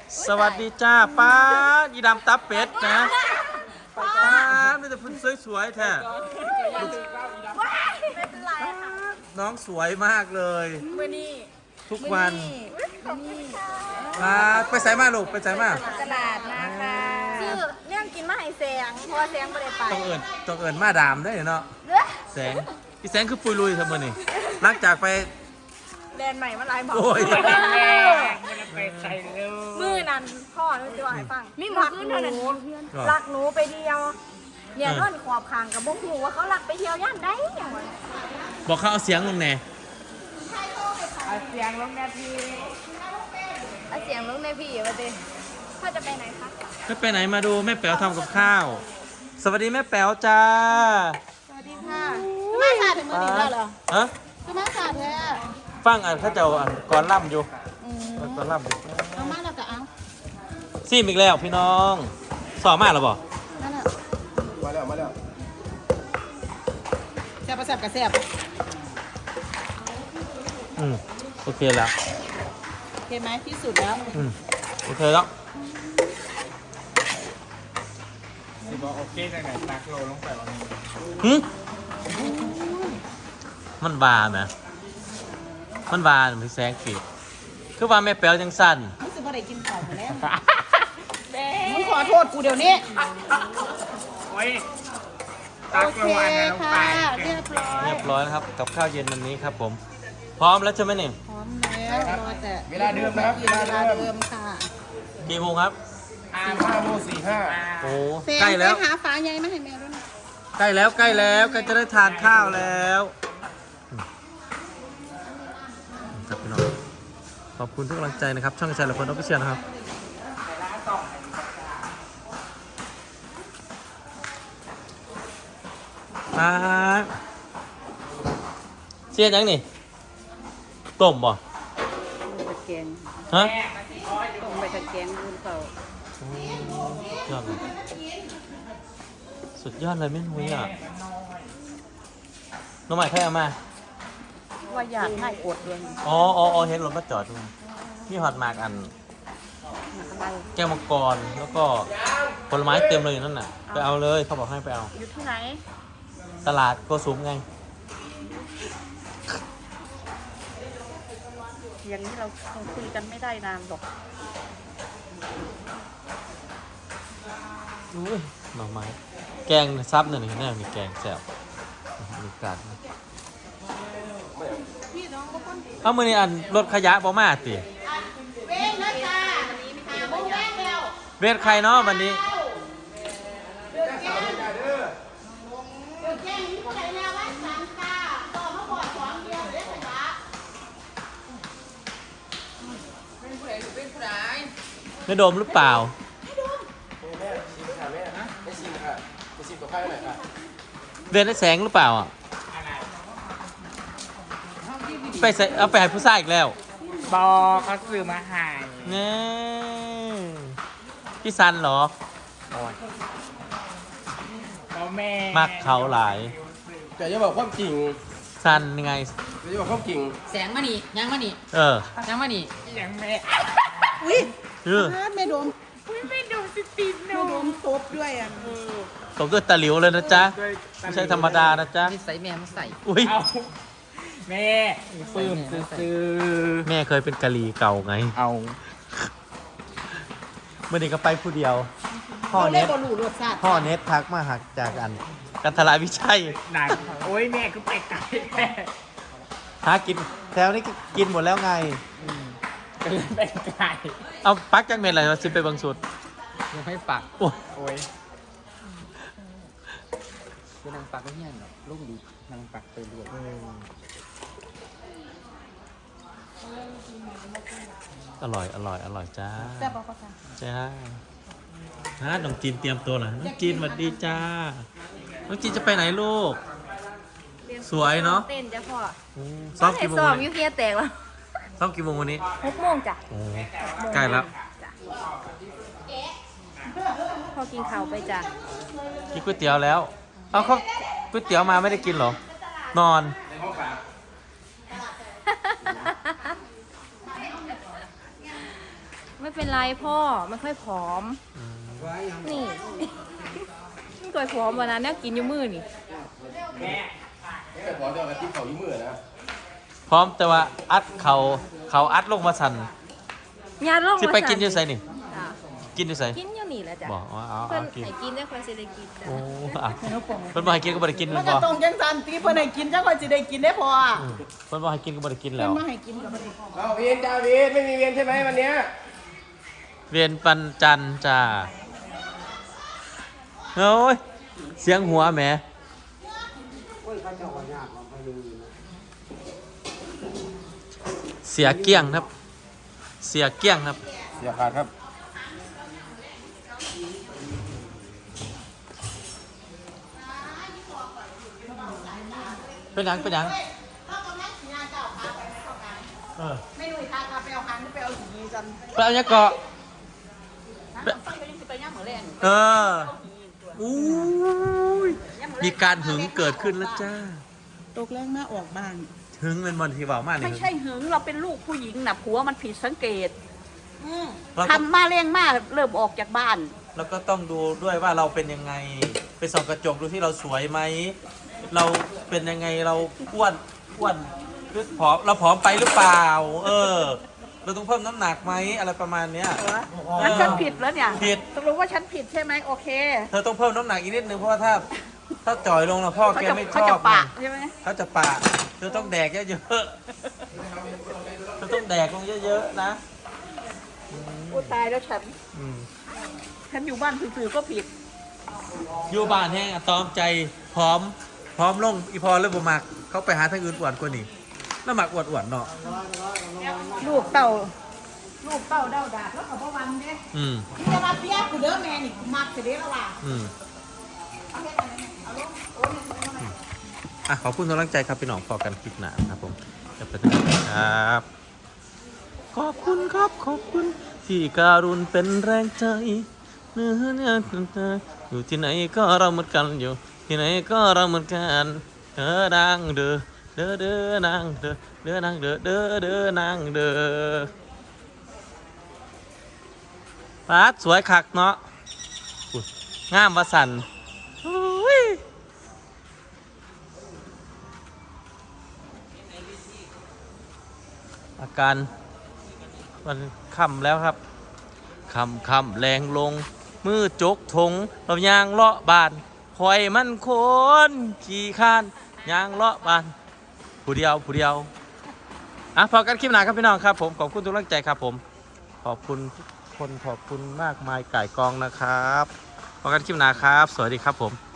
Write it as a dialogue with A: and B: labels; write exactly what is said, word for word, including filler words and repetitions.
A: สวัสดีจ้าป้ายีดำตับเป็ดนะป้าไม่แต่พุ่นสวยๆแท้น้องสวยมากเลยทุกวันป้าไปใส่มาลูกไปใส่มาก
B: ระดาษนะคะชื่อเรื่องกินมาให้แสงเพราะว่าแสงไม่ได้ไป
A: ต้องเอิญต้องเอิญมาดามได้เนาะแสงพี่แสงคือปุยลุยทำไมนี่หลังจากไป
B: แดนใหม่มาลายหมอ
A: โอ้ย
C: ไปใส่เร็ว
B: มือนั้นพ่อนึกจะว่าให้ฟังมีหมักหนูรักหนูไปเดียวเนี่ยนอนขอบคางกับบุ้งหูว่าเขารักไปเที่ยวย่านได้อย่างวะ
A: บอกเขาเอาเสียงลงแน่
C: เอาเสียงลงนาที
B: เอาเสียงลูกในพี่มาดิพ่อจะไปไหนคะ
A: ไม่ไปไหนมาดูแม่แป๋วทำกับข้าว สวัสดีแม่แป๋วจ้า
B: สวัสดีค่ะมาสาถึงมือดีแล้วเหรอ
A: ฮะ
B: คือมาสาแท้
A: ฟังอ่ะถ้าเจ้าอ่ะก่อนล่ำอยู่ก่อนล่ำอยู่
B: เอามาแล้วก็เอา
A: ซีมอีกแล้วพี่น้องสอบมากหรอบ่
B: นั่นแหละ
D: มาแล้วมาแล้ว
B: แซ่บแซ่บกับแซ่บ
A: อืมโอเคแล้ว
B: โอเคไหมที่สุดแล้ว
A: อืมโอเคแล้ว
C: สิบอกโอเคจากไหนตักโลลงไปวันนี้
A: หึมันบาไหมมันบาไหมพี่แสงขีดคือว่าแม่แป๋วจังสั้น
B: รู้สึกว่าได้กินข้าวมาแล้วมึงขอโทษกูเดี๋ยวนี้
C: โอ้ยตักโลอันนั้นลงไป
B: เรียบร้อย
A: เรียบร้อยนะครับกับข้าวเย็นวันนี้ครับผม พร้อมแล้วใช่ไหมเนี่ย
B: พร้อมแล้วรอแต่
D: เวลาเดิมนะครับ
B: เว
D: เวลา
B: ลา
D: เดิม
B: เดิมค่ะ
A: กี่โมงครับ
D: สี่ห้าโมงสี่ห้า
A: โอ้
B: เฟรม
A: ใกล้แล้ว
B: ไปหาฟ้าใหญ่มาให้แม่ด้วยนะ
A: ใกล้แล้วใกล้แล้วใกล้จะได้ทานข้าวแล้วอืมครับพี่น้องขอบคุณทุกกำลังใจนะครับ ช่องชายละคนออฟฟิเชียลนะครับมาเชียร์ยังนี่ต้มบ่
B: ตะแกง
A: ฮะ
B: ต้มไปตะแกงดูเปล่าย
A: อดเลยสุดยอดเลยไม่นุ้ยอ่ะน้องใหม่ใครเอามา
B: ว่าอยากให้อดด้วย
A: อ๋ออ๋ออ๋อเห็นรถมาจอดด้วยมีฮอตมากอัน
B: อะไร
A: แก้วมังกรแล้วก็ผลไม้เต็มเลยอยู่นั่นน่ะไปเอาเลยเขาบอกให้ไปเอา
B: อยู่ที่ไหน
A: ตลาดโกสุมไง
B: อย่างนี้เราคงคุยกันไม่ได้นานหรอก
A: อุ้ยหน่อไม้แกงซับหนึ่งนี่แน่มีแกงแซ่บมีกาดเอามือนี่อันรถขยะบ่มาติ
B: เว้นนะจ๊ะหาโมงแรกแล้ว
A: เวทใครเนาะวันนี้
B: เดือดแก้งนี่คนไหนแนวว่าสามกาต่อมาบอดสองเดียวเด้อจ้ะ
A: ไม่โดมหรือเปล่า
D: ไม่ชิมค่ะไม่ชิมกับข้าวหน่อยค่ะ
A: เวทได้แสงหรือเปล่าอ่ะไปใส่เอาไปให้ผู้ชายอีกแล้ว
C: บอกเขาซื้อมาใหาย
A: นี่พี่ซันเหรอ
C: พ่อแม่
A: มักเขาหลาย
D: แต่จะบอกความจริง
A: ซันยังไง
D: แต่จะบอกความจริง
E: แสงมานี่ยังมานี่
A: เออ
E: ยังมานี่
C: ยังแม่
B: อุ้ย
A: เออ
B: แม่โดม
C: ไม่ดูสติโน
B: แม่โดมตบด้วยอ่ะ
A: ตบด้วยตะหลิวเลยนะจ๊ะ ไม่ใช่ธรรมดานะจ๊ะ
E: นี่ใส่แม่มาใส่
A: อุ้ย
C: เอาแม่ปื้มซื้อ
A: แม่เคยเป็นกะลีเก่าไง
C: เอา
A: เมื่อนี้ก็ไปผู้เดียว พ่อ
B: เราเล่
A: เน็
B: น
A: ต
B: บอลลูรสชาติ
A: พ่อเน็ตทักมาหักจากอัน กันทลายวิชัย
C: หนังโอ้ยแม่ก็ไปไกลแม่
A: หากินแถวนี้ก็กินหมดแล้วไง
C: ก็เลยไปไกล
A: เอาปักจังเม็ดอะไรมาซิไปบางสุด
E: ยังไม่ปัก
A: โอ้ย
C: โอ้ย
E: เป็นนางปักก็เงี้ยเนาะลูกดีนางปักไปเรื่อย
A: อร่อย อร่อย อร่อยจ้า
B: แซ่บปะปะคะ
A: จ้าฮะน้องจีนเตรียมตัวเหรอน้องจีนสวัสดีจ้า น้องจีนจะไปไหนลูก สวยเนาะ
B: เต้นจ้ะพ่อ
A: อืมซ้อมกี่โมง
B: ซ้อม
A: วัน
B: ยู
A: นี้
B: เคียแตกแล้ว
A: ซ้อมกี่โมงวันนี้
B: หกโมงจ้ะ
A: โอ้ใกล้แล้ว
B: พอกินข้าวไปจ้ะ
A: กินก๋วยเตี๋ยวแล้ว เอาเขาก๋วยเตี๋ยวมาไม่ได้กินเหรอ นอน
B: ไม่ไม่เป็นไรพ่อไม่ค่อยผอม
A: อืม
B: นี่ ไม่ค่อยผอมวันนั้นเนี่ยกินอยู่มือนี่
D: แต่พอจะเอากระติบเขายี่มือนะ
A: พร้อมแต่ว่าอัดเขาเขาอัดลงมาสั่น
B: ยาลง
A: สิไปกินอยู่ไสนี่
B: จ้ะ
A: กินอยู่ไส
B: กินอยู่นี่แหละจ้ะ
A: บอกว่าเอา
B: เพิ่
A: เอา
B: น
A: กิน
B: ให้กินได้ค่อยสิได้กินจ้ะ
A: โอ้อ่ะเพิ่นบ่ให้กินก็บ่ได้กิน
F: มั
A: แม่
F: น
A: น
F: ก็
A: บ่
F: ตรงจังสันตีเพิ่นให้กินจังค่อยสิได้กินได้พอ
A: อืมเพิ่นบ่ให้กินก็บ่ได้กิน
F: เพิ่
A: แล้
F: น
A: ว
F: มาให้กินกับบ่ได้
D: เอาเวียนจ้าเวียนไม่มีเวียนใช่ไหมวันเนี้ย
A: เวียนปันจันทร์จ้าโอ้ยเสียงหัวแหมเสียเกี้ยงครับ เสียเกี้ยงครับ
D: เสียขาดครับ
A: เป็นหยังเป็นหยังเออ
F: ไม่รู้ทางเอาไปเอาคันไปเอาหีจัน
A: ไปเอาเนี้ยเกาะ
F: ไปไปย่างหมูแรง
A: เอออู้ยมีการหึงเกิดขึ้นแล้วจ้า
F: ตกแรงมาออกบ้าน
A: หึงเป็นวันที่เบามากเลย
F: ไม่ใช่หึงเราเป็นลูกผู้หญิงน่ะผัวมันผิดสังเกต
A: เราก็
F: ทำมาแรงมากเริ่มออกจากบ้าน
A: เราก็ต้องดูด้วยว่าเราเป็นยังไง ไปส่องกระจกดูที่เราสวยไหม เราเป็นยังไงเราอ้วนอ้วนหรือผอมเราผอมไปหรือเปล่า เออ เราต้องเพิ่มน้ำหนักไหมอะไรประมาณเนี้ย
F: งั้นฉันผิดแล้วเนี่ย
A: ผิด
F: ตกลงว่าฉันผิดใช่ไหมโอเค
A: เธอต้องเพิ่มน้ำหนักอีกนิดนึงเพราะว่าถ้าถ้าจ่อยลงแล้วพ่อ
F: เขา
A: แก
F: จะ
A: ไม่ช
F: เขา
A: อ
F: จะ
A: บ
F: ปะ
A: ไง
F: ใช่ไหม
A: เขาจะปะเธอต้องแดกเยอะๆเธอต้องแดกลงเยอะๆนะ
F: กูตายแล้วฉัน
A: อืม
F: ฉันอยู่บ้านสื่อๆก็ผิด
A: อยู่บ้านแห้งอะตอมใจพร้อม พร้อมลงอีพอเริ่มบ่มักเขาไปหาทางอื่นอวดกว่านี่แล้วหมักอวดอวดๆเนาะ
F: ลูกเต่า ลูกเต่าเดาดาบแล้วเขาบอกวันเด้
A: อืม
F: ที่จะมาเปียกกูเด้อแม่นี่กูมักเสียเด้อละว่ะ
A: อืมอ่ะขอบคุณทุกกำลังใจครับพี่น้องพอกันคลิปหนานะครับผมจะเป็นยังไงครับ ขอบคุณครับขอบคุณที่การุณเป็นแรงใจเนื้อเนี่ยอยู่ที่ไหนก็เราเหมือนกันอยู่ ที่ไหนก็เราเหมือนกันเด้อดังเด้อเด้อเด้อนางเด้อเด้อนางเด้อเด้อเด้อนางเด้อปาดสวยคักเนาะอุ๊ยงามวาสันอุ้ยอาการมันค่ำแล้วครับค่ำค่ำแรงลง มือจกถงเรายางเลาะบานคอยมันโคนขี่คานยางเลาะบานผู้เดียวผู้เดียวอ่ะพอกันคลิปหน้าครับพี่น้องครับผมขอบคุณทุกกำลังใจครับผมขอบคุณทุกคนขอบคุณมากมายไก่กองนะครับพอกันคลิปหน้าครับ สวัสดีครับผม